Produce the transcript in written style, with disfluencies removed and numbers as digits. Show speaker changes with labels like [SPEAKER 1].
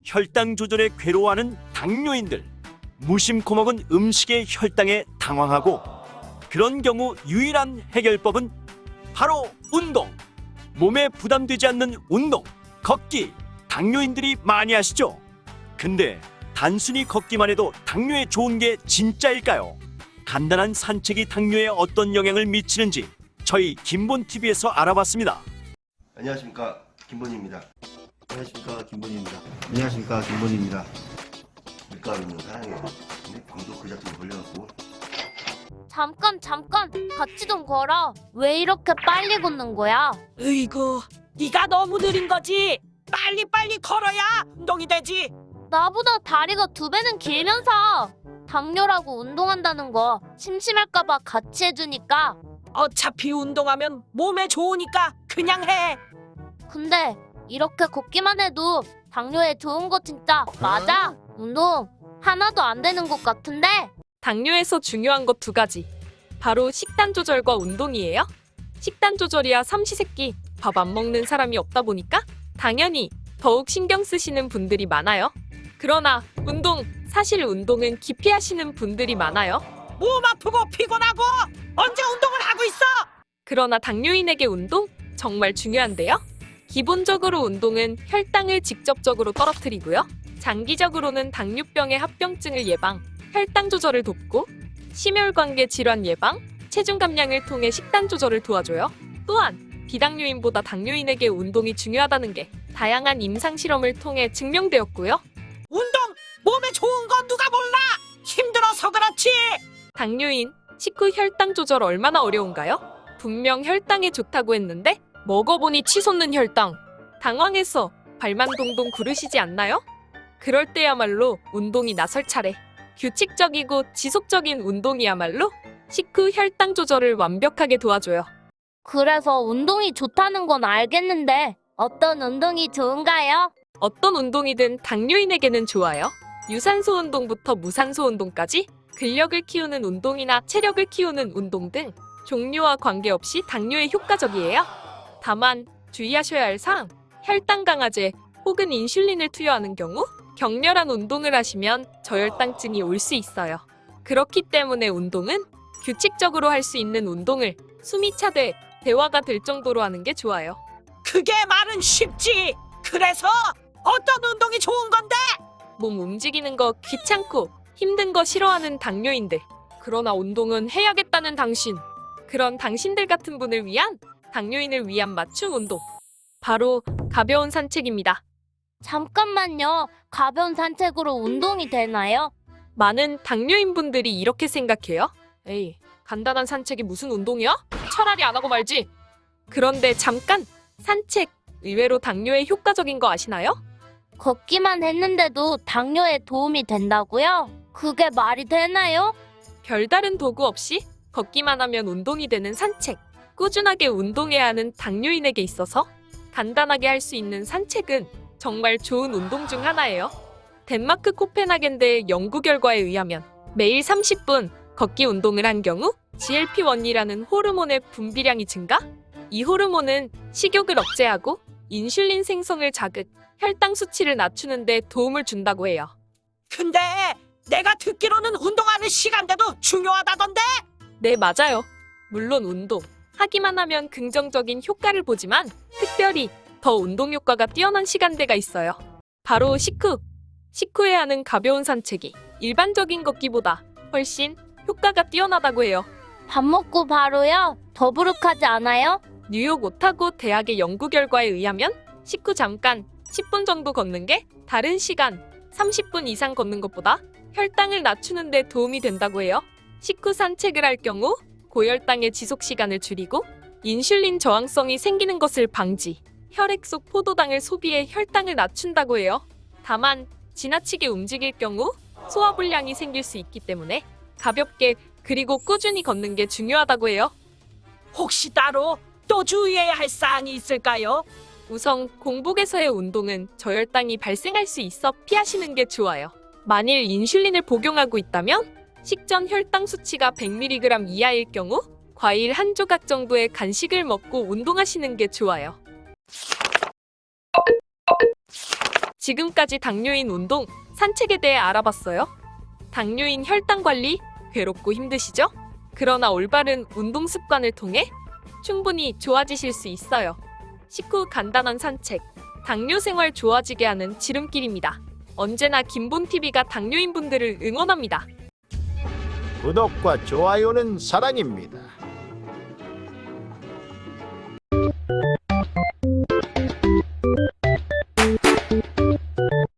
[SPEAKER 1] 혈당 조절에 괴로워하는 당뇨인들, 무심코 먹은 음식의 혈당에 당황하고, 그런 경우 유일한 해결법은 바로 운동. 몸에 부담되지 않는 운동, 걷기. 당뇨인들이 많이 하시죠? 근데 단순히 걷기만 해도 당뇨에 좋은 게 진짜일까요? 간단한 산책이 당뇨에 어떤 영향을 미치는지 저희 김본TV에서 알아봤습니다.
[SPEAKER 2] 안녕하십니까, 김본희입니다. 안녕하십니까, 김본희입니다. 안녕하십니까, 김본희입니다. 밀가루는 사랑해요. 근데 방도 그 자체로 걸려갖고.
[SPEAKER 3] 잠깐 같이 좀 걸어. 왜 이렇게 빨리 걷는 거야?
[SPEAKER 4] 으이구, 네가 너무 느린 거지. 빨리 걸어야 운동이 되지.
[SPEAKER 3] 나보다 다리가 2배는 길면서 당뇨라고 운동한다는 거 심심할까봐 같이 해주니까.
[SPEAKER 4] 어차피 운동하면 몸에 좋으니까 그냥 해.
[SPEAKER 3] 근데 이렇게 걷기만 해도 당뇨에 좋은 거 진짜 맞아? 운동 하나도 안 되는 것 같은데?
[SPEAKER 5] 당뇨에서 중요한 것 2가지. 바로 식단 조절과 운동이에요. 식단 조절이야 삼시세끼 밥 안 먹는 사람이 없다 보니까 당연히 더욱 신경 쓰시는 분들이 많아요. 그러나 사실 운동은 기피하시는 분들이 많아요.
[SPEAKER 4] 몸 아프고 피곤하고 언제 운동을 하고 있어?
[SPEAKER 5] 그러나 당뇨인에게 운동 정말 중요한데요. 기본적으로 운동은 혈당을 직접적으로 떨어뜨리고요. 장기적으로는 당뇨병의 합병증을 예방, 혈당 조절을 돕고 심혈관계 질환 예방, 체중 감량을 통해 식단 조절을 도와줘요. 또한 비당뇨인보다 당뇨인에게 운동이 중요하다는 게 다양한 임상 실험을 통해 증명되었고요.
[SPEAKER 4] 운동 몸에 좋은 건 누가 몰라. 힘들어서 그렇지.
[SPEAKER 5] 당뇨인 식후 혈당 조절 얼마나 어려운가요? 분명 혈당에 좋다고 했는데 먹어보니 치솟는 혈당. 당황해서 발만 동동 구르시지 않나요? 그럴 때야말로 운동이 나설 차례. 규칙적이고 지속적인 운동이야말로 식후 혈당 조절을 완벽하게 도와줘요.
[SPEAKER 3] 그래서 운동이 좋다는 건 알겠는데 어떤 운동이 좋은가요?
[SPEAKER 5] 어떤 운동이든 당뇨인에게는 좋아요. 유산소 운동부터 무산소 운동까지 근력을 키우는 운동이나 체력을 키우는 운동 등 종류와 관계없이 당뇨에 효과적이에요. 다만 주의하셔야 할 사항, 혈당 강화제 혹은 인슐린을 투여하는 경우 격렬한 운동을 하시면 저혈당증이 올 수 있어요. 그렇기 때문에 운동은 규칙적으로 할 수 있는 운동을 숨이 차되 대화가 될 정도로 하는 게 좋아요.
[SPEAKER 4] 그게 말은 쉽지. 그래서 어떤 운동이 좋은 건데?
[SPEAKER 5] 몸 움직이는 거 귀찮고 힘든 거 싫어하는 당뇨인들. 그러나 운동은 해야겠다는 당신. 그런 당신들 같은 분을 위한 당뇨인을 위한 맞춤 운동. 바로 가벼운 산책입니다.
[SPEAKER 3] 잠깐만요. 가벼운 산책으로 운동이 되나요?
[SPEAKER 5] 많은 당뇨인 분들이 이렇게 생각해요. 에이, 간단한 산책이 무슨 운동이야? 차라리 안 하고 말지. 그런데 잠깐! 산책, 의외로 당뇨에 효과적인 거 아시나요?
[SPEAKER 3] 걷기만 했는데도 당뇨에 도움이 된다고요? 그게 말이 되나요?
[SPEAKER 5] 별다른 도구 없이 걷기만 하면 운동이 되는 산책. 꾸준하게 운동해야 하는 당뇨인에게 있어서 간단하게 할 수 있는 산책은 정말 좋은 운동 중 하나예요. 덴마크 코펜하겐대의 연구 결과에 의하면 매일 30분 걷기 운동을 한 경우 GLP-1이라는 호르몬의 분비량이 증가? 이 호르몬은 식욕을 억제하고 인슐린 생성을 자극, 혈당 수치를 낮추는 데 도움을 준다고 해요.
[SPEAKER 4] 근데 내가 듣기로는 운동하는 시간대도 중요하다던데?
[SPEAKER 5] 네, 맞아요. 물론 운동, 하기만 하면 긍정적인 효과를 보지만 특별히 더 운동 효과가 뛰어난 시간대가 있어요. 바로 식후에 하는 가벼운 산책이 일반적인 걷기보다 훨씬 효과가 뛰어나다고 해요.
[SPEAKER 3] 밥 먹고 바로요? 더부룩하지 않아요?
[SPEAKER 5] 뉴욕 오타고 대학의 연구 결과에 의하면 식후 잠깐 10분 정도 걷는 게 다른 시간 30분 이상 걷는 것보다 혈당을 낮추는 데 도움이 된다고 해요. 식후 산책을 할 경우 고혈당의 지속 시간을 줄이고 인슐린 저항성이 생기는 것을 방지, 혈액 속 포도당을 소비해 혈당을 낮춘다고 해요. 다만 지나치게 움직일 경우 소화불량이 생길 수 있기 때문에 가볍게 그리고 꾸준히 걷는 게 중요하다고 해요.
[SPEAKER 4] 혹시 따로 또 주의해야 할 사항이 있을까요?
[SPEAKER 5] 우선 공복에서의 운동은 저혈당이 발생할 수 있어 피하시는 게 좋아요. 만일 인슐린을 복용하고 있다면 식전 혈당 수치가 100mg 이하일 경우 과일 한 조각 정도의 간식을 먹고 운동하시는 게 좋아요. 지금까지 당뇨인 운동, 산책에 대해 알아봤어요. 당뇨인 혈당 관리 괴롭고 힘드시죠? 그러나 올바른 운동 습관을 통해 충분히 좋아지실 수 있어요. 식후 간단한 산책, 당뇨 생활 좋아지게 하는 지름길입니다. 언제나 김본TV가 당뇨인 분들을 응원합니다.
[SPEAKER 6] 구독과 좋아요는 사랑입니다.